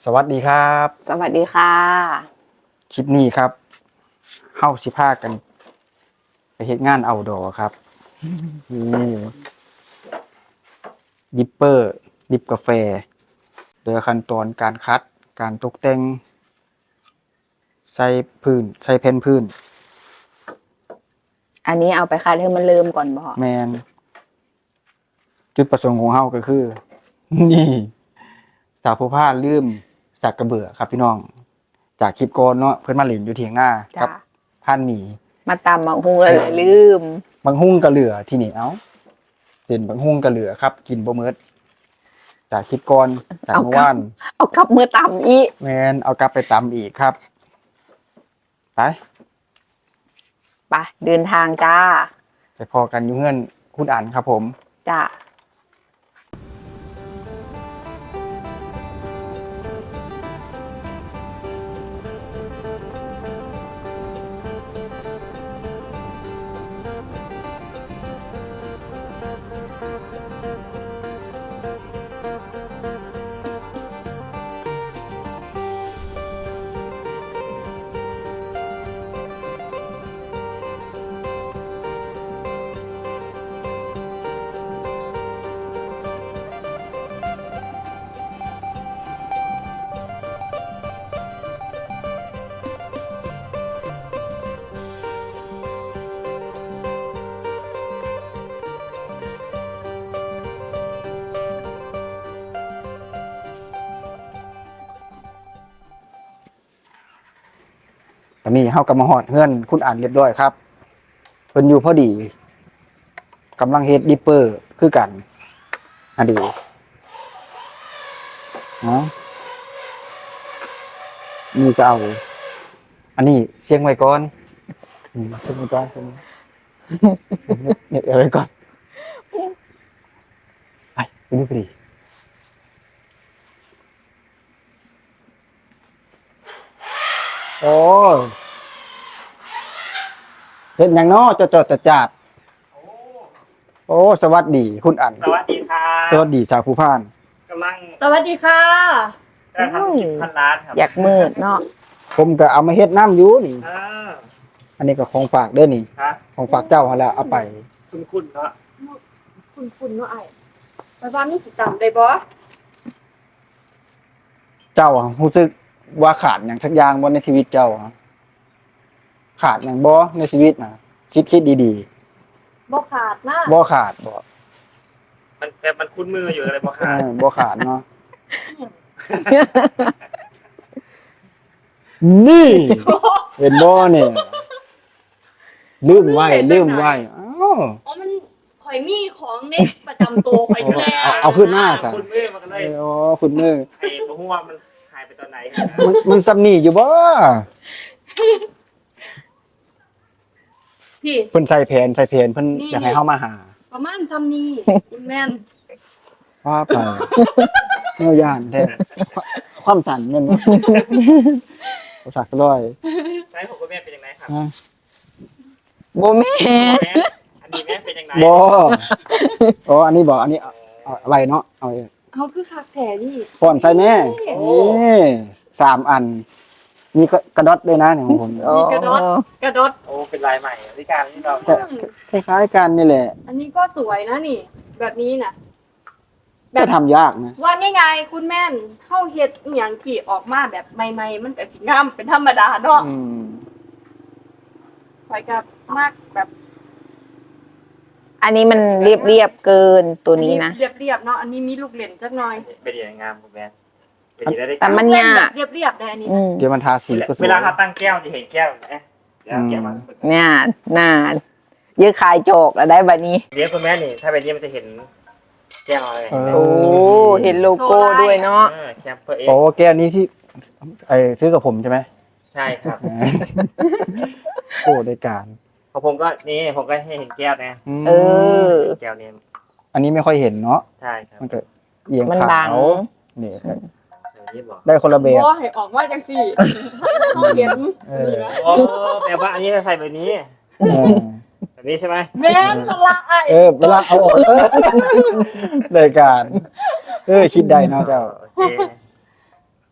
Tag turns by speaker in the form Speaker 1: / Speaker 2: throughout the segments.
Speaker 1: สวัสดีครับ
Speaker 2: สวัสดีค่ะ
Speaker 1: คลิปนี้ครับเฮ้าสิพากันไปเฮ็ดงานเอาดอครับนี่ดิปเปอร์ดิบกาแฟโดยขั้นตอนการคัดการตกแต่งใส่พื้นใส่แผ่นพื้น
Speaker 2: อันนี้เอาไปคัดให้มันเริ่มก่อนบ่
Speaker 1: แมนจุดประสงค์ของเฮาก็คือ นี่สาวผู้พาลืมสักกระเบือครับพี่น้อง จากคลิปก่อนเนาะเพิ่นมาเล่นอยู่เถียงหน้ากั
Speaker 2: จ้ะ
Speaker 1: บผ่านหมี
Speaker 2: มาตำมาหุงเลยลืม
Speaker 1: บางหุ้งกะเหลือที่นี่เอ้าเส้นบางหุ้งกะเหลือครับ กินบ่เมิดจากคลิปก่อนจากเมื่อวาน
Speaker 2: เอากลับมือตำอีก
Speaker 1: แมนเอากลับไปตำอีกครับ ไป
Speaker 2: ไปเดินทางจ้า
Speaker 1: ไปพอกันอยู่เงื่อนคุณอันครับผม
Speaker 2: จ้า
Speaker 1: ตอนนี้เฮากำลังฮอดเฮือนคุณอันเรียบร้อยครับเพิ่นอยู่พอดีกำลังเฮ็ดดิปเปอร์คือกันอันดีเนาะนี่ก็เอาอันนี้เสียงไว้ก่อนเสียงไว้ก่อนเสียงไว้เนี่ยเอาไว้ก่อนไปดูพอดีโอ้เฮ็ดหยังเนาะจดๆจัดๆโอ้สวัสดีคุณอัน
Speaker 3: สวัสดีครับ
Speaker 1: สวัสดีสาวผู้พาน
Speaker 3: กำลัง
Speaker 4: สวัสดีค่ะ
Speaker 3: จะทำกิจพันล้านครับ
Speaker 2: อยากมืดเนาะ
Speaker 1: ผมก็เอามาเฮ็ดน้ำอยู่นี่
Speaker 3: อ่า
Speaker 1: อันนี้ก็ของฝากเด้อนี่
Speaker 3: ครับ
Speaker 1: ของฝากเจ้าหั่นแหละเอาไป
Speaker 3: คุณเนาะ
Speaker 4: คุณเนาะไอ้ไปบ้านนี่สิจำได้บ่
Speaker 1: เจ้ารู้สึกว่าขาดหยังสักอย่างบ่ในชีวิตเจ้าอะขาดหยังบ่ในชีวิตน่ะคิดดี
Speaker 4: บ่ขาดนะ
Speaker 1: ๆบ่ขาดบ่
Speaker 3: มันแต่มันคุ้นมืออยู่อะไรบ้างครับ
Speaker 1: บ่ขาดเนาะนี่เห็นบ่เนี่ยลืมไว้อ้าว
Speaker 4: อ๋อมันข่อยมีของในประจำตัวข่อยอยู่แล้ว
Speaker 1: เอาขึ้นหน้าซะ
Speaker 3: คุ้นมือมันก็เลย
Speaker 1: อ๋อคุณมือ
Speaker 3: ไอ้บ่ฮู้ว่ามันหายไปตอนไหน
Speaker 1: มันซ้ำนี่อยู่บ่
Speaker 4: พี่
Speaker 1: เพิ่นใส่แผนเพิ่นอยากให้เฮามาหา
Speaker 4: ประมาณทำนี่คุณแม่น
Speaker 1: ว่าไปเนื้อย่างแท้ความสั่นเงินผมสักร้อย
Speaker 3: ใช้ผมกับแม่เป็นยังไงครับ
Speaker 1: นะ
Speaker 2: โบแม่
Speaker 3: แม่อันนี้แม่เป็นยังไง
Speaker 1: บอ๋ออันนี้บอกอันนี้เอาอะไรเนาะเอา
Speaker 4: เอาคือคักแท้นี่
Speaker 1: ก่อนใส่แม่นี่3 อัน มีกระดอดด้วยนะเนี่ยของผม
Speaker 2: โอ้
Speaker 4: กระโดด
Speaker 3: โอ้เป็นลายใหม่ที่การที่เรา
Speaker 1: แต่คล้ายๆกันนี่แหละ
Speaker 4: อันนี้ก็สวยนะนี่ แบบนี้น่ะ
Speaker 1: แต่ทำยากนะ
Speaker 4: ว่าง่ายๆคุณแม่นเฮาเฮ็ดอีหยังที่ออกมาแบบใหม่ๆมันก็สิงามเป็นธรรมดาเนาะ
Speaker 1: อืม
Speaker 4: ข่อยก็มากแบบ
Speaker 2: อันนี้มันเรียบเกินตัวนี้นะ
Speaker 4: เรียบๆเนาะอันนี้มีลูกเล่นจักหน่อย
Speaker 3: เป็นยังงามผมแม่เป็นยังได้
Speaker 2: แต่มัน
Speaker 4: เล่น
Speaker 2: ยา
Speaker 4: แบ
Speaker 2: ก
Speaker 4: บเรียบๆได้อันนี้
Speaker 2: อืม
Speaker 1: เดี๋ยวมันทาสีก็สวย
Speaker 3: เวลาเขาตั้งแก้วจะเห็นแก้วนะเดี๋ยวแก้วมา
Speaker 2: เนี่ยน่าเยอะขายโจกแล้วได้บัดนี้
Speaker 3: เลี้ยงคุณแม่นี่ถ้าไปเลี้ยงมันจะเห็นแก้วอะไร
Speaker 2: โอ้เห็นโลโก้ด้วยเนาะ
Speaker 3: แคมเปอร์เอง
Speaker 1: โอ้แก้วนี้ที่ซื้อกับผมใช่ไหม
Speaker 3: ใช่ครับ
Speaker 1: โอ้ได้การ
Speaker 3: ของผมก็นี่ผมก็ให้เห็นแก้วนะ
Speaker 2: เออ
Speaker 3: แก้วนี้
Speaker 1: อันนี้ไม่ค่อยเห็นเนาะ
Speaker 3: ใช่ครับ
Speaker 1: มันก็เอียง
Speaker 2: มัน
Speaker 1: ขา
Speaker 2: บัง
Speaker 1: วนี่
Speaker 3: สวัสดีบอก
Speaker 1: ได้คนละแบบ
Speaker 4: บ่ให้ออกมาจังซี่เขาเห็น
Speaker 1: เออ
Speaker 4: นี่นะ
Speaker 3: โอ้แปลว่าอันนี้จะใส่แบบนี้
Speaker 1: เออ
Speaker 3: แบบนี้ใช่ไหม
Speaker 4: แม่นละไอ้
Speaker 1: เวลาเอาออกรายการคิดได้เนาะเจ้า
Speaker 3: โอเค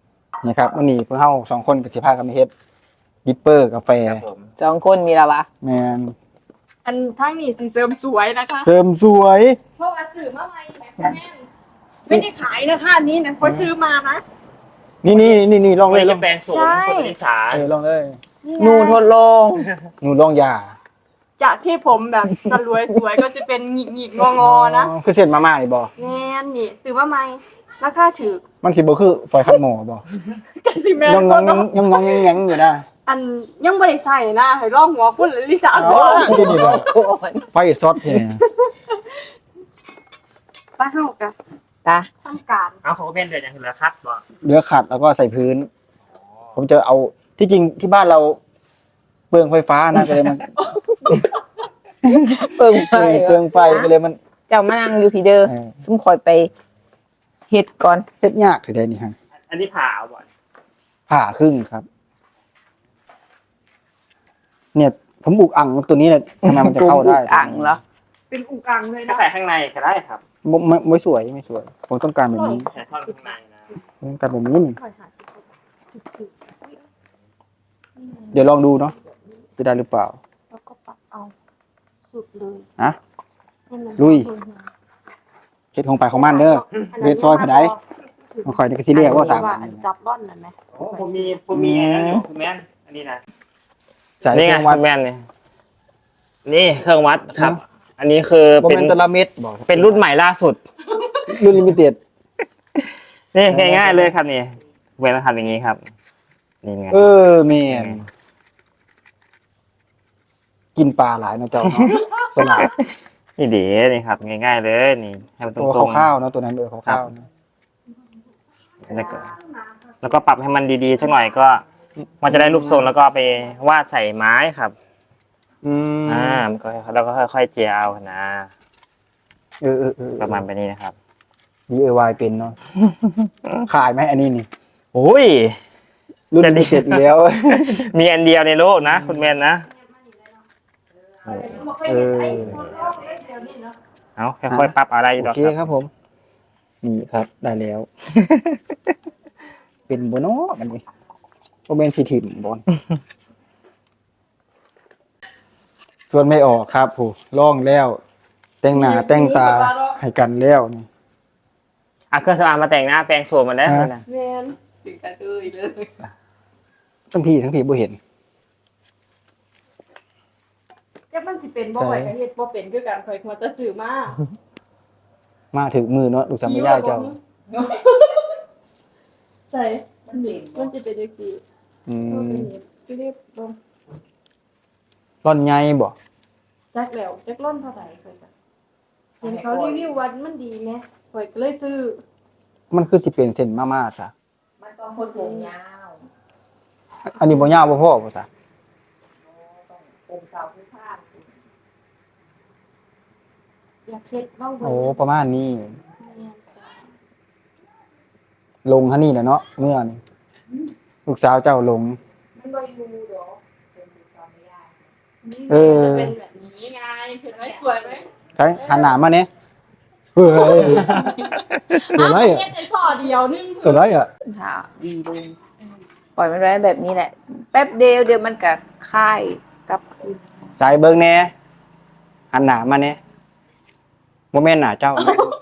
Speaker 1: นี่ครับวันนี้พวกเฮา2คนก็สิพากันไปเฮ็ดดิปเปอร์กาแฟ
Speaker 3: ครับผม
Speaker 2: 2 คนนี่ล่ะวะ
Speaker 1: แม่น
Speaker 4: อันทั้งนี้สิเสริมสวยนะคะ
Speaker 1: เสริมสวย
Speaker 4: เพราะว่าซื้อมาใหม่แม่แม่นไม่ได้ขายนะคะอันนี่นะคนซื้อมานะ
Speaker 1: นี่ลองเล
Speaker 3: ไม่
Speaker 1: ยล
Speaker 3: จะ
Speaker 1: อง
Speaker 3: แปลงโสม
Speaker 4: ใช่
Speaker 3: คนอีสาน
Speaker 1: ลองเลย
Speaker 2: หนูทดลอง
Speaker 1: หนูลองยา
Speaker 4: จากที่ผมแบบสลวยสวยก็จะเป็นหงิกหงิกงองอๆนะ
Speaker 1: คือเส้นมาม่านี่บ่
Speaker 4: แม่นนี่ซื้อมาใหม่ราคาถือ
Speaker 1: มันสิบ่คือฝอยคัดหม้อบ่
Speaker 4: กะสิแม่น
Speaker 1: ยัง
Speaker 4: บ่เนาะ
Speaker 1: แงงอยู่นะ
Speaker 4: อันยังบ่ได้ใส่นะให้ลองหัวคุณลิซ่า
Speaker 1: อ๋
Speaker 4: ก่
Speaker 1: อ
Speaker 4: อน
Speaker 1: ที่นี่บ่
Speaker 2: ก่อน
Speaker 1: ไฟซอสที่นี่
Speaker 4: ป้าเฮาก็
Speaker 2: ตา
Speaker 4: ทำการ
Speaker 3: เอาเขาก็เป็นเดือนอย่างเหลือคัดบ่
Speaker 1: เหลือขัดแล้วก็ใส่พื้น ผมจะเอาที่จริงที่บ้านเราเปลืองไฟฟ้านะก็เลยมัน
Speaker 2: เปิงไป
Speaker 1: เปลืองไฟก็เลยมัน
Speaker 2: เจ้ามานั่งอยู่พี่เด้อ
Speaker 1: เออ
Speaker 2: ซุมคอยไปเฮ็ดก่อน
Speaker 1: เฮ็ดยากถือได้นี่ฮะ
Speaker 3: อันนี้ผ่าเอาบ่อน
Speaker 1: ผ่าครึ่งครับ เนี่ย ผมบุกอ่างตัวนี้เนี่ยทำไมมันจะเข้าได้
Speaker 2: อ่างเหรอ
Speaker 4: เป็นอุกอังเลย
Speaker 3: ก็
Speaker 4: นะ
Speaker 3: ใส่ข้างในก็ได้ครับ
Speaker 1: ไม่สวยไม่สวย ผมต้องการแบบนี้
Speaker 3: แต่ชอบข้างในนะ
Speaker 1: ผมต้องการแบบนี้
Speaker 4: ค่อยหาสิ
Speaker 1: เดี๋ยวลองดูเนาะจะได้หรือเปล่า
Speaker 4: แล้วก็ปรับเอาสุดเลย
Speaker 1: ฮะ
Speaker 4: ให้มัน
Speaker 1: ลุย เฮ็ดของไปของมันเด้อ เวทซอยผาใด มันคอยในกระซิเรียกว่าสาม
Speaker 4: อันจับร่อนนั่นไหม
Speaker 3: โอ้ผมมีอันนั้นอยู่คุณแม่นอันนี้นะ
Speaker 1: สาย
Speaker 3: นี่
Speaker 1: เค
Speaker 3: ไง
Speaker 1: รื่องวัด
Speaker 3: คุณแม่นนี่เครื่องวัดครับ
Speaker 1: นะ
Speaker 3: อันนี้คือ
Speaker 1: บ่
Speaker 3: เป็น
Speaker 1: แม่นตะละเม็ดบอก
Speaker 3: เป็นรุ่นใหม่ล่าสุด
Speaker 1: รุ่นลิมิเต็ด
Speaker 3: นี่ง่ายๆเลยครับนี่เวลาทำอย่างนี้ครับนี่ไง
Speaker 1: แม่นกินปลาหลายเนาะเจ้าเนาะสลัด
Speaker 3: นี่เดี๋ยวนี่ครับง่ายๆเลยนี่ให้มันตร
Speaker 1: ตัว
Speaker 3: งๆ
Speaker 1: ข้าวๆเนาะตัวนั้นข้าวๆเนาะ
Speaker 3: แล้วก็ปรับให้มันดีๆสักหน่อยก็ มันจะได้รูปทรงแล้วก็ไปวาดใส่ไม้ครับ มันก็แล้วก็ค่อยๆเจียเอานะ
Speaker 1: เออ
Speaker 3: ประมาณแบบนี้นะครับ
Speaker 1: DIY เป็นเนาะ ขายไหมอันนี้นี่
Speaker 3: โอ้ย
Speaker 1: รุ่น
Speaker 3: จะ
Speaker 1: ลิ
Speaker 3: ดี
Speaker 1: มิเต็ดอีกแล้ว
Speaker 3: มีอันเดียวในโลกนะคุณแมนนะ เอาค่อยๆปรับอะไรอยู่
Speaker 1: โอ
Speaker 3: ดอก
Speaker 1: เค
Speaker 3: ครับ
Speaker 1: ครับผม นี่ครับได้แล้ว เป็นโบโน่กันนี่โอเบนซิทิมบอลส่วนไม่ออกครับผู้ล่องแล้ว แต่งหน้าแต่งตาให้กันแล้วนี่
Speaker 3: เอาเครื่องสำอางมาแต่งหน้าแปรงโสมมันแล้วนะ
Speaker 4: แมนถึงกันเลย
Speaker 1: ทั้งพี่บ่เห็น
Speaker 4: จะมันสิเป็นบ่ไหวกับเฮ็ดบ่เป็นคือกันข่อยควรจะซื้อมา
Speaker 1: มาถึงมือเนาะลูกสาวไม่ได้เจ้า
Speaker 4: ใส่มันจะเป็นจังซี่
Speaker 1: อื
Speaker 4: ก็เป็น
Speaker 1: ม
Speaker 4: เฮ็ดคือเรียบบ่
Speaker 1: ร่อนใหญ่บ่
Speaker 4: จักแล้วจักร่อนเท่าใดข่อยก็เห็นเขารีวิวว่ามันดีแหมข่อยก็เลยซื้อ
Speaker 1: มันคือสิเป็นเส้นมาๆซะ
Speaker 2: มันต้องคนผมยาว
Speaker 1: อันนี้บ่ยาวบ่พอบ่ซะ
Speaker 2: ผมสาวผู้พาน
Speaker 4: อยากเช็ดบ้าง
Speaker 1: โอ้ประมาณนี้ ลงฮะนี่แหละเนาะเมื่อนี่ลูกสาวเจ้าลง
Speaker 2: มันบ่อยู่ดอกเป็นตอนไม่ได้
Speaker 1: เออ
Speaker 4: จะเป็นแบบนี้ไงเห็นไหมสวยไหม
Speaker 1: ใช่หันหน้ามาเนี่ยเฮ้ยตัวไรอ่ะ
Speaker 4: เฮ็ดแต่ซอเดียวนึง
Speaker 1: ตัวไรอ่ะ
Speaker 2: ถ้าดีเลยปล่อยมันไว้แบบนี้แหละ แป๊บเดียวเดี๋ยวมันก็คลายกลับคืน
Speaker 1: สายเบิ่งแหน่หันหน้ามาเนี่ยบ่แม่นหน้าเจ้า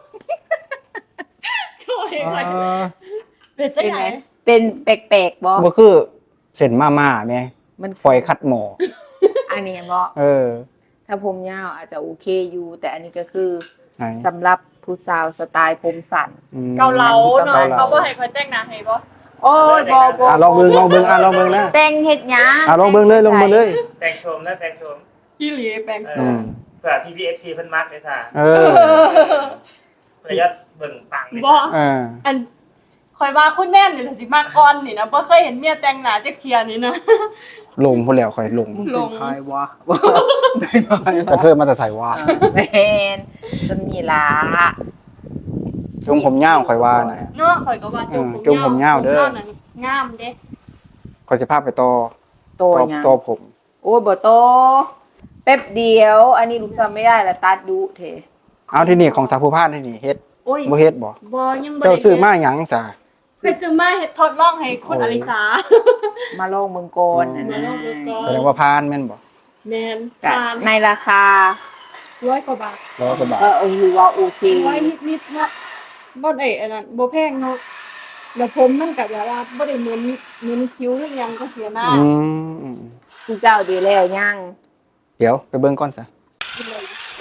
Speaker 4: ช่วย
Speaker 1: อ๋
Speaker 4: หน่อย
Speaker 1: อ
Speaker 4: เป็นจัง
Speaker 2: เป็น
Speaker 4: ไหน
Speaker 2: ไงเป็นแปลกๆบ่
Speaker 1: บ่คือเส้นมาๆแม่
Speaker 2: มัน
Speaker 1: ฝอยคัดหมอ
Speaker 2: อันนี้บ่
Speaker 1: เออ
Speaker 2: ถ้าผมยาวอาจจะโอเคอยู่ แต่อันนี้ก็คือ
Speaker 1: ไหน
Speaker 2: สำหรับผู้สาวสไตล์ผมสั้น
Speaker 1: อืม
Speaker 4: เกาเหลาเนาะ
Speaker 1: เกาเหลา
Speaker 4: เขาบ่ให้คนแต่งหน้าให้บ่
Speaker 2: โอ้ยบ่บ่
Speaker 1: ลองเบิ่งลองเบิ่งลองเบิ่งนะ
Speaker 2: แต่งเฮ็ดหยัง
Speaker 1: ลองเบิ่งเลยลองเบิ่งเลย
Speaker 3: แปรงโสมนะแปรงโสม
Speaker 4: ที่หลีแปลงโส
Speaker 1: อื
Speaker 4: ม
Speaker 1: ม
Speaker 3: เผื่อ PPFC เพิ่นมักเลยค่ะ
Speaker 1: เออ
Speaker 3: เพื่อยอดเบิ่งปังเลย
Speaker 4: บ่
Speaker 1: เออ
Speaker 4: อันคอยว่าคุณแม่นนี่ล่ะสิมาก่อนนี่นะบ่เคยเห็นเมียแต่งหน้าจักเที่ยนี่นะ
Speaker 1: ลงพุ่นแล้วค่อยลง
Speaker 4: ลง
Speaker 1: กระเทยมาแต่ใส่ว่า
Speaker 2: แม่นสมีลา
Speaker 1: จงผมยาวค่อยว่าน่ะ
Speaker 4: เนาะข่อยก็ว่า
Speaker 1: จุ่มผมยาวเด้อ
Speaker 4: ผมนั่นงามเด้
Speaker 1: ค่อยสิพาไปต่อ
Speaker 2: โตยัง
Speaker 1: ต่อผม
Speaker 2: โอ้ยบ่โตแป๊บเดียว อันนี้ลูกทำไม่ได้ละตัดดุเถ
Speaker 1: เอาที่นี่ของสาวผู้พานที่นี่เฮ็ด
Speaker 4: โอ้ย
Speaker 1: บ่เฮ็ดบ่
Speaker 4: บ่ยังบ่
Speaker 1: เจ้า
Speaker 4: ได้
Speaker 1: ซื้อมาหยังซะ
Speaker 4: ไปซื้อมาเฮ็ดทดลองให้คุณอลิสา
Speaker 2: มาลองเมืองก่อนนะ
Speaker 4: มาลองเบิ่งก่อน
Speaker 1: แสดงว่าพานแม่นบ่
Speaker 4: แม่น
Speaker 2: ก็
Speaker 4: ทาน
Speaker 2: ในราคา
Speaker 4: 100 กว่าบาท
Speaker 1: 100 กว่าบาท
Speaker 2: ถือว่าโอเค
Speaker 4: ร้อยนิดๆเนาะบ่ได้อันนั้นบ่แพงเนาะแล้วผมมันก็แบบว่าบ่ได้เหมือนคิ้วหรือหยังก็เสียหน้า
Speaker 1: อืม
Speaker 2: ที่เจ้าดีแล้วยัง
Speaker 1: เดี๋ยวไปเบิ่งก่อนซะ
Speaker 4: เลย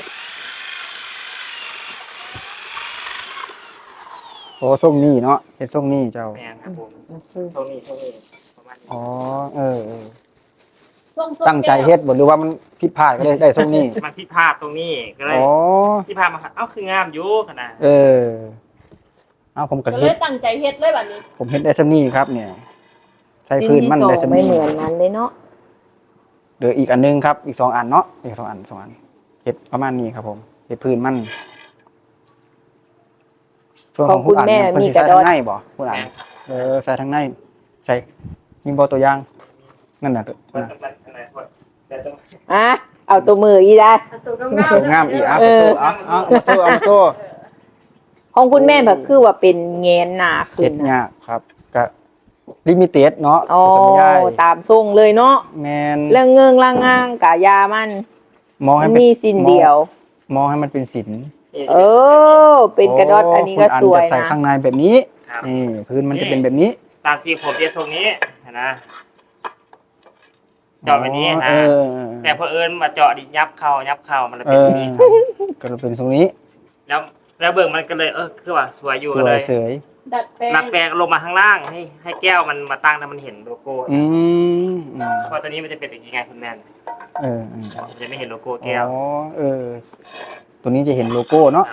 Speaker 1: โอ้ทรงนี้เนาะเฮ็ดทรงนี้เจ้า
Speaker 3: แม่นครับผมโซนี่ประมาณนี้
Speaker 1: อ๋อเออ
Speaker 4: ส่ง
Speaker 1: ตั้งใจเฮ็ดบ่หรือว่ามันผิดพลาดก็เลยได้ทรงนี้
Speaker 3: มันผิดพลาดตรงนี้ก็เลย
Speaker 1: อ๋อ
Speaker 3: ที่พลาดมาเอ้าคืองามอยู่ขนาด
Speaker 1: เออเอาผมก็
Speaker 4: ก็เล
Speaker 1: เฮ็ด
Speaker 4: ยตั้งใจเฮ็ดเลยบัดนี้
Speaker 1: ผมเฮ็ดได้ซำนี้ครับ เนี่ยใส่
Speaker 2: ชิ้น
Speaker 1: พื้น
Speaker 2: ที่
Speaker 1: มัน
Speaker 2: สอง
Speaker 1: ได้ซำ
Speaker 2: ไม่
Speaker 1: นี้
Speaker 2: เหมือนนั้นเลยเนาะ
Speaker 1: เดี๋ยวอีกอันนึงครับ อีก2 อันเนาะอีก2 อันเฮ็ดประมาณนี้ครับผมเฮ็ดพื้นมันส่วนของคุณอันเนี่ยเพิ่นสิใส่ทางในบ่คุณอัน
Speaker 3: แม่น
Speaker 1: ใส่ทางในใส่มีบ่ตัวอย่างนั่นน่ะตัว
Speaker 3: มัน
Speaker 1: น่ะ
Speaker 3: มันขนาดว่าแต่ต้อง
Speaker 2: อ่ะเอาตัวมืออีได้
Speaker 4: เอาตัวงาม
Speaker 1: ตัวงามอีกเอามาโซ่เอามาโซ่
Speaker 2: ของคุณแม่แบบคือว่าเป็นแงนหนาขึ้
Speaker 1: เฮ็
Speaker 2: น
Speaker 1: ด
Speaker 2: นะ
Speaker 1: ยากครับก็ลิมิเต็ดเนาะ
Speaker 2: อ๋อ
Speaker 1: สมัยยาย
Speaker 2: ตามทรงเลยเนาะ
Speaker 1: แม่น
Speaker 2: เรื่องเงิงล่างงางกะยามัน
Speaker 1: มองให้
Speaker 2: มัน
Speaker 1: เป็น
Speaker 2: มีสินเดียว
Speaker 1: มองให้มันเป็นศิลป์
Speaker 2: เออ เป็นกระดอดอันนี้ก็
Speaker 1: คุณ
Speaker 2: สวย
Speaker 1: จะใส่
Speaker 2: นะ
Speaker 1: ข้างในแบบนี้
Speaker 3: ครับ
Speaker 1: นี่พื้นมันจะเป็นแบบนี้
Speaker 3: ตามที่ผมเรียนทรงนี้นะเจาะแบบนี้
Speaker 1: อ๋อ
Speaker 3: นะ แต่พอเอิญมาเจาะดิยับเข้ามันเลย
Speaker 1: เอ
Speaker 3: เป็น
Speaker 1: อ
Speaker 3: แบบนี้
Speaker 1: ก็เลยเป็นทรงนี้
Speaker 3: แล้วเบิ่งมันก็เลยคือว่าสวยอยู่
Speaker 1: ส
Speaker 3: ก็
Speaker 1: ว
Speaker 3: เลย ย
Speaker 1: เสย
Speaker 4: ๆดัดแปลง
Speaker 3: รับแปลงลงมาข้างล่างให้แก้วมันมาตั้งแล้วมันเห็นโลโก้
Speaker 1: อืม
Speaker 3: เพราะตัวนี้มันจะเป็นอย่างนี้ไงคุณแมน
Speaker 1: เออ
Speaker 3: มันจะไม่เห็นโลโก้แก้ว
Speaker 1: อ๋อตัวนี้จะเห็นโลโก้เนาะ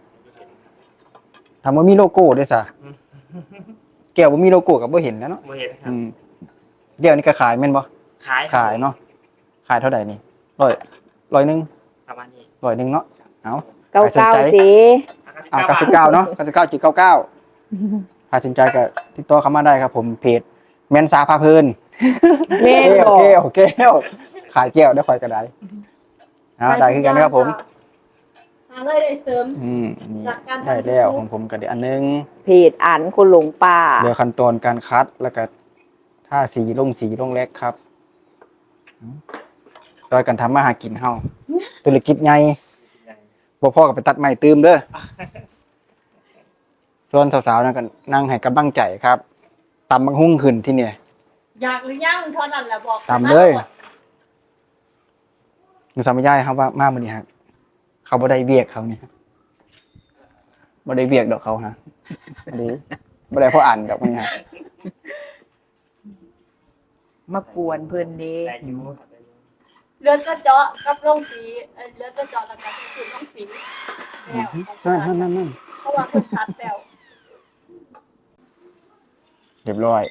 Speaker 1: ถามว่ามีโลโก้ด้วยซะแก้วบ่มีโลโก้ก็บ่เห็นแล้วเนาะ
Speaker 3: ไม่เห็นครับ
Speaker 1: แก้วนี่ก็ขายแม่นบ่
Speaker 3: ขาย
Speaker 1: ขายเนาะขายเท่าไหร่นี่100นึง
Speaker 3: ประมาณนี้
Speaker 1: 100นึงเนาะเอา
Speaker 2: เก้า
Speaker 1: ใครสน
Speaker 2: เก้า
Speaker 1: ใจ
Speaker 2: สิ
Speaker 1: 99เนาะ99.99ถ้าสนใจก็ติดต่อเข้ามาได้ครับ ผมเพจแม่นสาพาเพลิน
Speaker 2: แม่นบอก
Speaker 1: แก้วขายแก้วได้ค่อยก็ได้เอาได้คือกันนะครับผม
Speaker 4: หาเลยได้เสริม
Speaker 1: นี่
Speaker 4: จากการทำ
Speaker 1: ได้แล้วของผมก็ได้อันนึง
Speaker 2: เพจอ่านคนหลงป่า
Speaker 1: เหลือขั้นตอนการคัดแล้วก็ท่าสีลงแรกครับซอยกันทำมาหากินเฮาธุรกิจใหญ่บ่พ่อก็ไปตัดไม้ตืมเด้อส่วนสาวๆนั่นก็นั่งให้กำลังใจครับตำบักหุ่งขึ้นที่เนี่ย
Speaker 4: อยากหรือยังเท่านั้นแหละบอก
Speaker 1: ตามเลย หนูสามยายครับว่ามามื้อนี้ฮะเขาบ่ได้เวียกเขานี่ครับบ่ได้เวียกดอกเขานะบ่ได้เพราะอ่านดอกนี่ฮะ
Speaker 2: มากวนเพิ่นเด้
Speaker 3: ได้อยู่
Speaker 4: เลือดกระเจาะกับลงสีเลือดกระเจาะแล้วก็คือลงสีแล้ว
Speaker 1: นั่น
Speaker 4: เพราะว่าคนตัดแล้ว
Speaker 1: เรียบร้อย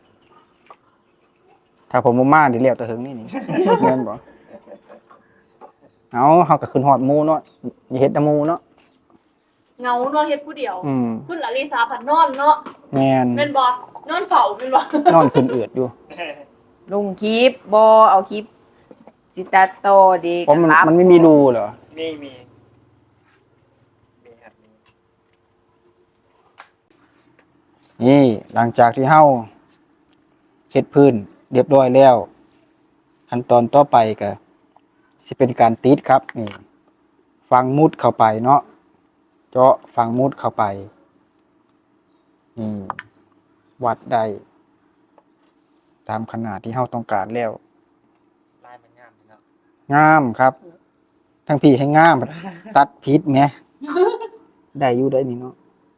Speaker 1: ถ้าผมบ่มาดิเรียกแต่ถึงนี่ แม่นบ่เอาเฮาก็ขึ้นฮอดหมู่เนาะอย่าเฮ็ดแต่หมู่เนาะ
Speaker 4: เงาเนาะเฮ็ดผู้เดียว
Speaker 1: อืม
Speaker 4: คุณลลิสาผัดนอนเนาะ
Speaker 1: แม่น
Speaker 4: เป็นบ่นอนเฝ้าเป็นบ่
Speaker 1: นอนขึ้นอืดอยู่
Speaker 2: ลงคลิปบอเอาคลิปสิตัดต่อเดี
Speaker 1: เพราะมันไม่มีรูเหรอ
Speaker 3: มีครับมี
Speaker 1: นี่หลังจากที่เฮาเฮ็ดพื้นเรียบร้อยแล้วขั้นตอนต่อไปก็สิเป็นการติดครับนี่ฝังมุดเข้าไปเนาะเจาะฝังมุดเข้าไปนี่วัดได้ตามขนาดที่เฮาต้องการแล้ว
Speaker 3: ลายมันงามเนาะ
Speaker 1: งามครับ ทั้งพี่ให้งาม ตัดผิดแหมได้อยู่ได้นี่เนาะ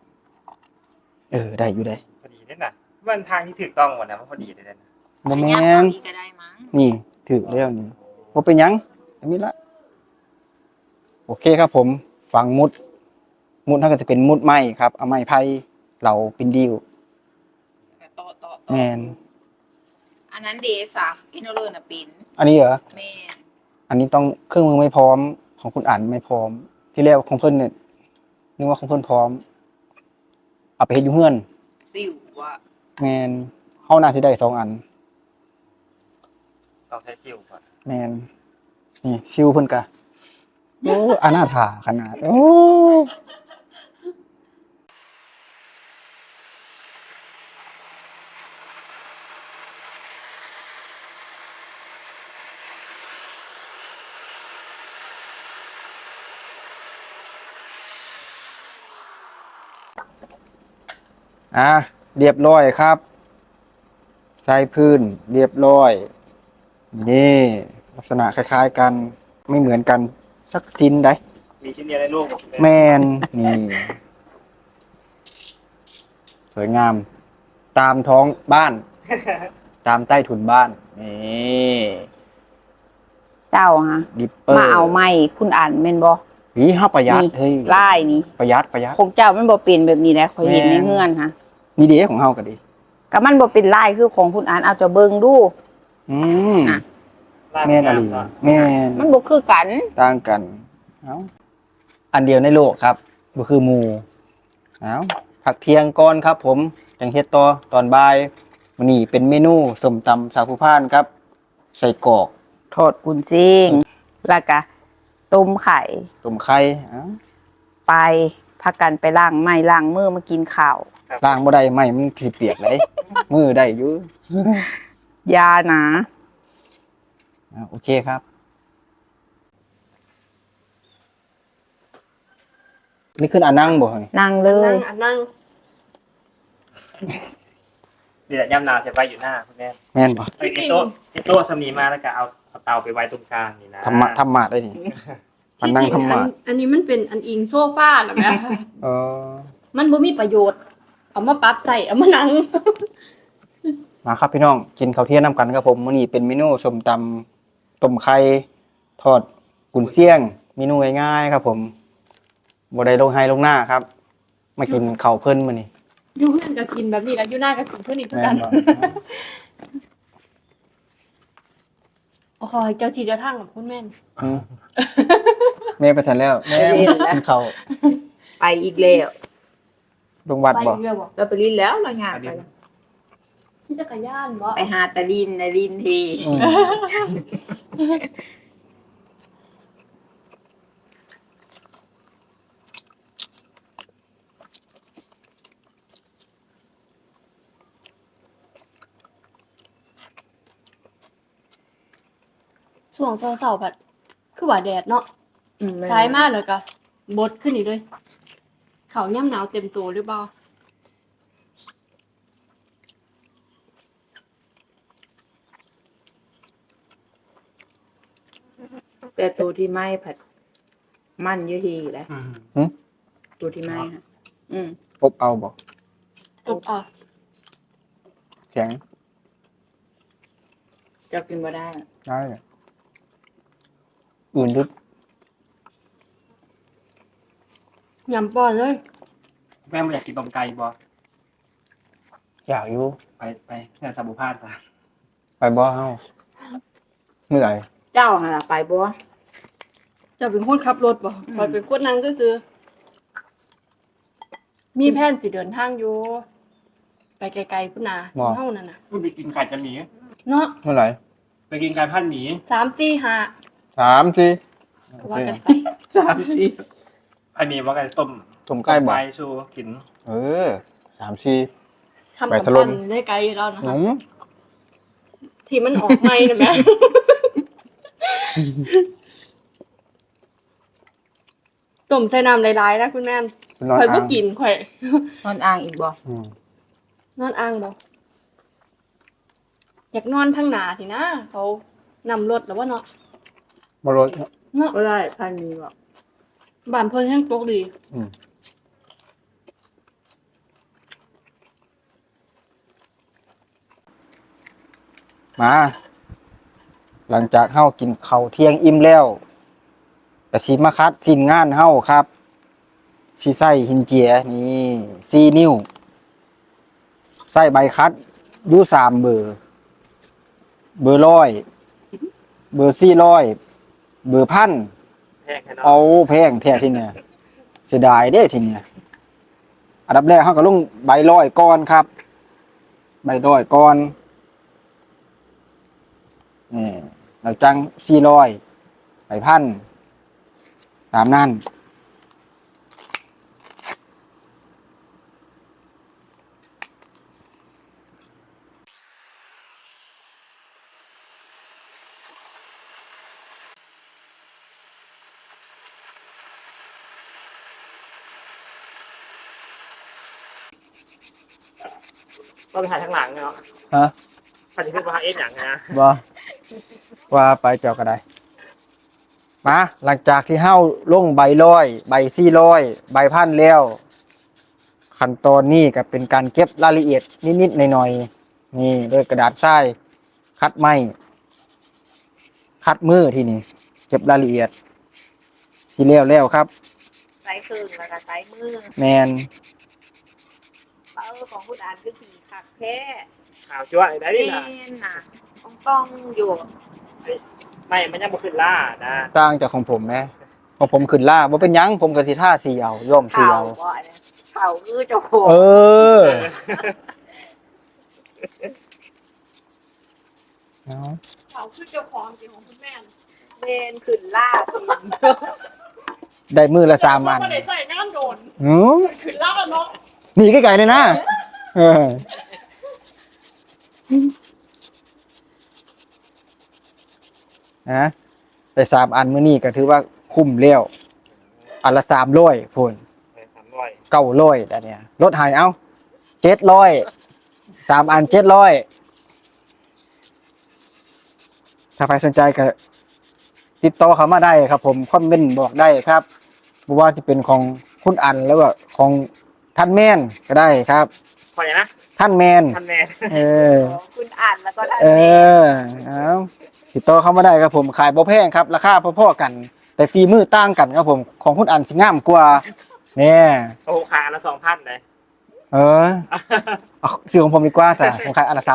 Speaker 1: ได้อยู่ได้
Speaker 3: พอดีเลยนะมันทางที่ถูกต้องหมดนะมันพอดีเลยนะ
Speaker 1: บ่แม่น
Speaker 2: ก็ได้มั้ง
Speaker 1: นี่ถึกแล้วนี่บ่เป็นหยังอันนี้ละโอเคครับผมฝังมุดเท่าก็จะเป็นมุดไม้ครับเอาไม้ไผ่เหลาเป็นดิว
Speaker 2: ต่อ
Speaker 1: แม่น
Speaker 2: อันนั้นเดซะอินโนเลอร์น่ะเป็น
Speaker 1: อันนี้เหรอ
Speaker 2: แม่น
Speaker 1: อันนี้ต้องเครื่องมือไม่พร้อมของคุณอ่านไม่พร้อม ที่แรกของเพิ่นเนี่ยนึกว่าของเพิ่นพร้อมเอาไปเฮ็ดอยู่เฮือน
Speaker 2: สิวว่ะ
Speaker 1: แม่นเฮาน่าสิได้2 อัน
Speaker 3: ต้องใช้ซิลก่อน
Speaker 1: แม่นนี่ซิวเพิ่นกะโอ้อนาถาขนาดโอ้เรียบร้อยครับใส่พื้นเรียบร้อยนี่ลักษณะคล้ายๆกันไม่เหมือนกันสักชิ้นได้
Speaker 3: มีชิ้นเดียวในโลก
Speaker 1: แมนนี่สวยงาม ตามท้องบ้าน ตามใต้ถุนบ้านนี่
Speaker 2: เจ้าฮะ
Speaker 1: ดิปเปอร์
Speaker 2: มาเอาไม้คุณอ่านแม่นบ่
Speaker 1: หีห้าประหยัด
Speaker 2: นี่
Speaker 1: เฮ้ย
Speaker 2: ลายนี่
Speaker 1: ประหยัด
Speaker 2: ของเจ้ามันบ่เป็นแบบนี้แหละข่อยเห็นใน
Speaker 1: แม่น
Speaker 2: เฮือนฮะ
Speaker 1: นี่เดีของเฮาก็ดี
Speaker 2: ก็มันบ่เป็นลายคือของคุณอ่านเอาเจะเบิ่งดู
Speaker 1: อืม
Speaker 2: น่ะ
Speaker 1: แม่นอะไรแม่น
Speaker 2: มันบ่คือกัน
Speaker 1: ต่างกันเอาอันเดียวในโลกครับก็คือหมูเอาผักเที่ยงก่อนครับ ผมจังเฮ็ดต่อตอนบ่ายมื้อนี้เป็นเมนูส้มตำสาวผู้พานครับ ใส่กรอก
Speaker 2: ทอดกุนซิ่งแล้วก็ต้มไข่
Speaker 1: ต้มไข่เอา
Speaker 2: ไปพากันไปล้างไม้ล้างมือมากินข้าว
Speaker 1: ล้างบ่ได้ไม่มันสิเปียกเลย มือได้อยู่
Speaker 2: ยานะ
Speaker 1: โอเคครับ นี่ขึ้นอานั่งบ่เฮ้ย
Speaker 2: นั่งเล
Speaker 4: นั่
Speaker 2: ย
Speaker 4: งอันนั่ง
Speaker 3: นี่แหละย่ำนาเสียไปอยู่หน้าคุณแม่
Speaker 1: แม่นบ่
Speaker 3: ไอ้โต๊ะสำนีมาแล้วก็เอาเตาไปไว้ตรงกลางนี่นะ
Speaker 1: ธรรมะได้นี่มันนั่งธรรมะ
Speaker 4: อันนี้มันเป็นอันอิงโซฟาเหรอแม่
Speaker 1: เออ
Speaker 4: มันบ่มีประโยชน์ เอามาปรับใส่เอามานั่ง
Speaker 1: มาครับพี่น้องกินข้าวเที่ยงน้ำกันครับผมมื้อนี้เป็นเมนูส้มตำต้มไข่ทอดกุนเชียงเมนูง่ายๆครับผมบ่ได้ลงไฮลงหน้าครับ มากินข้าวเพิ่นมื้อนี้
Speaker 4: อยู่เพื่อนก็กินแบบนี้แล้วอยู่หน้าก็กินเพื่อนอีกเหมือนกัน
Speaker 1: บ่
Speaker 4: โอ้ยเจ้าที่เจ้าทางกับคุณแม่น
Speaker 1: อืมแม่ไปสั่นแล้วแม่กินข้าว
Speaker 2: ไปอีกแล้ว
Speaker 1: ลงวัด
Speaker 4: ไป
Speaker 1: บ่
Speaker 4: เรือบ่
Speaker 2: เราไปลินแล้วเรางานไป
Speaker 4: ที่จักรยานบ่
Speaker 2: ไปหาตะลินในลินที
Speaker 1: อืม
Speaker 4: ช่วงเช้าๆแบบคือว่าแดดเนาะสายมากเลยก็บดขึ้นอีกเลยเขาย่ำหนาวเต็มตัวหรือเปล่า
Speaker 2: แต่ตัวที่ไหม้ผัดมันเยอะทีแหล้ว
Speaker 3: อืม
Speaker 2: ตัวที่ไหม้ค่ะ
Speaker 1: อบเอาบ่
Speaker 4: อ่ะ
Speaker 1: แข็ง
Speaker 2: จะกินบ่ได้
Speaker 1: ได้เลยอื่นดึก
Speaker 4: ยำป้อนเลย
Speaker 3: แม่ไม่อยากกินต้มไก่บ่
Speaker 1: อยากอยู่
Speaker 3: ไปแค่สาบุพานไป
Speaker 1: ไปบ่เฮาเมื่อไหร่
Speaker 2: เจ้าหาไปบ่
Speaker 4: จะเป็นคนขับรถบ่คอยเป็นคนนั่งซื้อๆมีแผนสิเดินทางอยู่ไปไกลๆพุ่นน่ะเฮานั่นน่ะ
Speaker 3: ไปกินไก่จะหมี
Speaker 4: เนาะ
Speaker 1: เมื่อไหร่
Speaker 3: ไปกินไก่พันหมี
Speaker 4: 3 4 5
Speaker 1: 3สิ
Speaker 4: ก็ว่ากันไป
Speaker 3: อันนี้ว่าไก่ต้ม
Speaker 1: ต้มไก่บ่
Speaker 3: ชูกิน
Speaker 1: เออ3 4
Speaker 4: ทำ
Speaker 1: ไป
Speaker 4: กับ
Speaker 1: ถล่ม
Speaker 4: ปั้นได้ไกลอยู่แล้วนะ
Speaker 1: ห
Speaker 4: คะ
Speaker 1: นุ่ม
Speaker 4: ที่มันออกใหม่นะแม่ ต้มใส่น้ำหลายๆนะคุณแม่
Speaker 1: เป็นนอน
Speaker 4: ข่อยบ่
Speaker 1: อ่าง
Speaker 4: กินข่อย
Speaker 2: นอนอ่างอีกบ่
Speaker 1: อืม
Speaker 4: นอนอ่างบ่อยากนอนทางหน้าสินะเขานำรถแล้วว่าเนาะ
Speaker 1: บ่รถ
Speaker 4: เนาะ
Speaker 2: บ่ได้พันมีบ่
Speaker 4: บ้านเพิ่นแห้งตกดี
Speaker 1: อืมมา หลังจากเฮากินข้าวเที่ยงอิ่มแล้วก็สิมาคัดสิ้นงานเฮาครับสิใส่หินเจียนี่4 นิ้ว ใส่ใบคัดอยู่3 เบอร์ เบอร์100 เบอร์400 เบอร์พัน
Speaker 3: แห้งแค่นั้น
Speaker 1: เอาแพงแท้ทีเนี่ยเสียดายเด้ทีเนี่ยอันดับแรกเฮาก็ลงใบร้อยก่อนครับ ใบร้อยก่อนนี่แล้วจัง400 ใบพันตามนั้น
Speaker 3: ก็ไปถ่ายทางหลังเนาะ
Speaker 1: ฮะ
Speaker 3: ถ่ายที่เป็นพาเอ็นอย่างนะ
Speaker 1: บ่ว่าไปเจ้าก็ได้มาหลังจากที่เฮาลงใบร้อยใบ400ใบพันแล้วขั้นตอนนี้ก็เป็นการเก็บรายละเอียดนิดๆหน่อยๆนี่ด้วยกระดาษทรายคัดไม้คัดมือที่นี่เก็บรายละเอียดที่แล้วครับ
Speaker 2: ใส่ครึ่งแล้วก็ใส่มือ
Speaker 1: แมน
Speaker 2: ของคุณอ่านคือผีขักแท้
Speaker 3: ข่าวชั่วได้ดิ
Speaker 2: แม่
Speaker 3: ล่ะ
Speaker 2: นน่ะต้องอยู่
Speaker 3: ไม่มันยังบ่ขึ้นล่านะ
Speaker 1: ต่างจากของผมไหมของผมขึ้นล่าบ่เป็นหยังผมก็สิท่าสีเอาย่อมสี
Speaker 2: เข่า
Speaker 1: เอา
Speaker 2: บ่เนี่ยเข่าคือเจ้าของ
Speaker 1: เออเอา
Speaker 4: เขาคือเจ้าของจริงของคุณแม่น่ะ
Speaker 2: เมนขึ้นล่าทีม
Speaker 1: ได้มือละ3อัน
Speaker 4: บ่ได้ใส่น้ำโดน
Speaker 1: หือ
Speaker 4: ขึ้นแล้วเนาะ
Speaker 1: หนีไกลๆเลยนะเออนะแต่3อันมื้อนี้ก็ถือว่าคุ้มแล้วอันละ300พุ่น
Speaker 3: 300
Speaker 1: 900แต่เนี่ยลดให้เอา700 3อัน700ถ้าใครสนใจก็ติดต่อเข้ามาได้ครับผมคอมเมนต์บอกได้ครับบ่ว่าจะเป็นของคุณอันแล้วก็ของท่านแม่นก็ได้ครับ
Speaker 3: พออย่างนะ
Speaker 1: ท่านแมน
Speaker 3: ท่านแม่
Speaker 1: เออ
Speaker 2: ของคุณอ่านแล้วก็ท่าน
Speaker 1: เอ
Speaker 2: แม่
Speaker 1: อเอาติดต่อเข้ามาได้ครับผมขายบ่แพงครับ ราคาพอๆกัน แต่ฝีมือต่างกันครับผม ของคุณอันสิงามกว่าเนี่ย
Speaker 3: โอ้โหขายอันละ2,000เลย
Speaker 1: เออเอาซื้อของผมดีกว่าซะผมขายอันละ300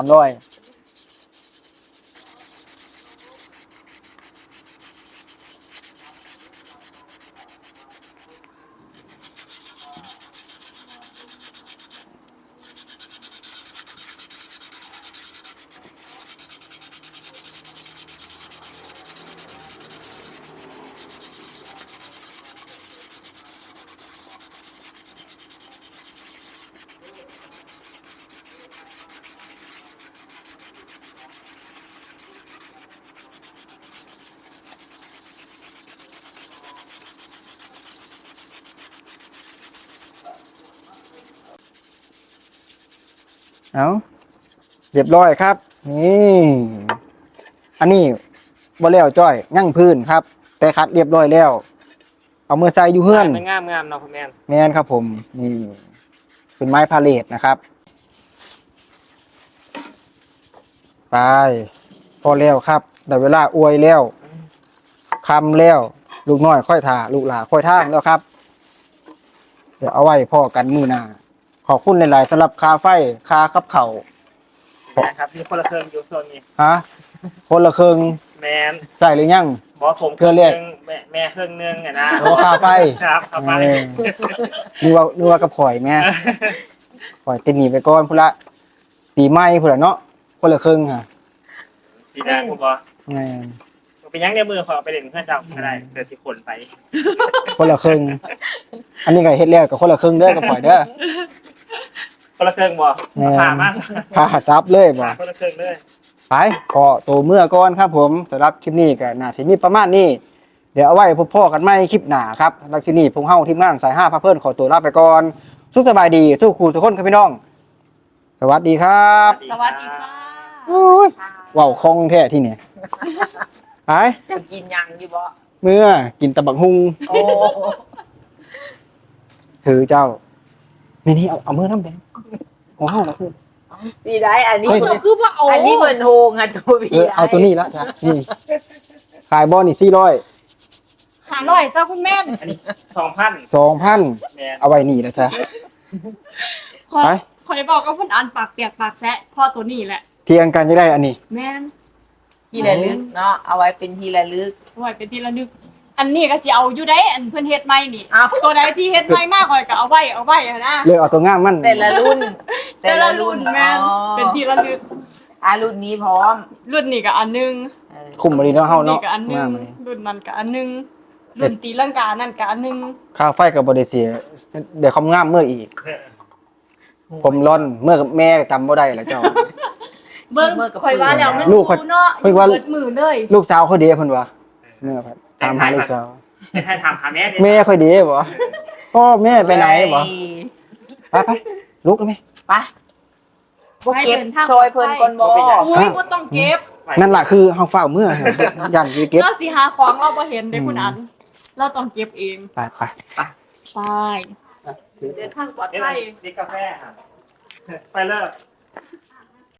Speaker 1: เอาเรียบร้อยครับ นี่ อันนี้บ่แล้วจ้อยยั่งพื้นครับ แต่คัดเรียบร้อยแล้ว เอามือใส่อยู่เฮือน
Speaker 3: มันงามเนาะคุณแม่
Speaker 1: แม่นครับผมนี่เป็นไม้พาเลทนะครับไปพอแล้วครับได้เวลาอวยแล้วคำแล้ว ลูกน้อยค่อยถ่าลูกหลาค่อยท่ามแล้วครับ เดี๋ยวเอาไว้พ่อกันมือหน้าขอบคุณหลายๆสำหรับคาไฟคาขับเข่า
Speaker 3: นะครับมีคนละเครื่องอยู่โซนนี้
Speaker 1: ฮะคนละครึ่ง
Speaker 3: แมน
Speaker 1: ใส่หรือยัง
Speaker 3: บอกผม
Speaker 1: เครื่องเรียก
Speaker 3: แม่เครื่องนึงอะนะ
Speaker 1: โอ้ค่าไฟ
Speaker 3: ครับค่าไฟ
Speaker 1: เออนึกว่ากับข่อยแม่ข่อยติดหนีไปก่อนพุ่นละปีใหม่พุ่นละเนาะคนละครึ่งค่ะ
Speaker 3: ดีนะผมบอก
Speaker 1: แม่น
Speaker 3: เป็นยังในมือขอไปเล่นเพื่อนเจ้าก็ได้เกิดที่คนไป
Speaker 1: คนละครึ่ง อันนี้ก็เฮ็ดแล้วกับคนละครึ่งเด้อกับข่อยเด้อ
Speaker 3: คนละเครื่องบ่
Speaker 1: แม่น
Speaker 3: ผ่ามา
Speaker 1: พาซับเลยบ่
Speaker 3: คนละเครื่องเลย
Speaker 1: ไปขอตัวเมื่อก่อนครับผมสำหรับคลิปนี้ก็น่าสิมีประมาณนี้ เดี๋ยวเอาไว้พบพ่อกันใหม่คลิปหน้าครับสำหรับคลิปนี้พวกเฮาทีมงานสาย5พาเพิ่นขอตัวลาไปก่อนสุขสบายดีทุกคู่ทุกคนครับพี่น้อง สวัสดีครับ
Speaker 4: สวัสดีค่ะ
Speaker 1: อุ้ยว้าวคล่องแท้ที่นี่ไป
Speaker 2: จะกินยังอยู่บ่
Speaker 1: เมื่อกินตะบักฮุง
Speaker 2: โอ้
Speaker 1: ถือเจ้านี่เอามือน้ำแดงของเฮานะคือ
Speaker 2: ปีได้อันนี้
Speaker 1: เฮ้ย
Speaker 4: คือว่าเอา
Speaker 2: อันนี้เหมือนโฮงอ่ะตัวปีได้
Speaker 1: เอาตัวนี้ละจ้ะนี่ขายบอลนี่400
Speaker 4: หาหน่อยซะคุณแม่
Speaker 3: อันนี้2,000
Speaker 1: 2,000
Speaker 3: แม่น
Speaker 1: เอาไว้นี่นะซะ
Speaker 4: ขอ
Speaker 1: ไป
Speaker 4: ขอยบอกกับคุณอันปากเปียกปากแซะพ่อตัวนี้แหละ
Speaker 1: เที่ยงกันจะได้อันนี้
Speaker 4: แม่น
Speaker 2: ที่ระลึกเนาะเอาไว้เป็นที่ระลึก
Speaker 4: ไว้เป็นที่ระลึก อันนี้ก็สิเอาอยู่ได้อันเพิ่นเฮ็ดใหม่นี่
Speaker 2: อ้าว
Speaker 4: ตัวใดที่เฮ็ดใหม่มากข่อยก็เอาไว้อะนะ
Speaker 1: เลือกเอาตัวง่ามมัน
Speaker 2: แต่ละรุ่น
Speaker 4: แต่ละรุ่นแม่น
Speaker 2: อ๋อ
Speaker 4: เป็นที่ระลึก
Speaker 2: รุ่นนี้พร้อม
Speaker 4: รุ่นนี้ก็อันหนึง
Speaker 2: เออ
Speaker 1: คุ้มบริเนาะเฮา
Speaker 4: รุ่น
Speaker 1: เนาะ
Speaker 4: นี้ก็อันหนึง
Speaker 1: งามเลย
Speaker 4: รุ่นนั้นก็อันหนึงรุ่นตีลังกานั่นก็อันหนึง
Speaker 1: ค่าไฟกับบริเสียเดี๋ยวคำงามเมื่ออีก ผมร่อนเมื่อกับแม่จำบ่ได้แล้วเจ้า
Speaker 4: เบิ่งข่อยว่าแล้วมัน
Speaker 1: ลูกข่อย
Speaker 4: ดูเนาะ
Speaker 1: ข่อยว่า
Speaker 4: เบิดมือเลย
Speaker 1: ลูกสาวเขาเดีเพิ่นวะเมื่อครับตามหาลูกสาว
Speaker 3: ให้ท่านถามหาแม่ดิ
Speaker 1: แม่ค่อยดีบ่พ่อแม่ไปไหนบ่ไปลุกแล้วไหม
Speaker 2: ไปบ่เก็บซอยเพิ่นก่อนบ่
Speaker 4: อุ้ยบ่ต้องเก็บ
Speaker 1: นั่นล่ะคือเฮาฝ้าวเมื่อยันสิเก็บ
Speaker 4: เราสิหาของเราบ่เห็นเด้คุณอัน เราต้องเก็บเอง
Speaker 1: ไป
Speaker 4: ไปเดินทางปลอดภัย
Speaker 3: นี่กาแฟครับไปเลิก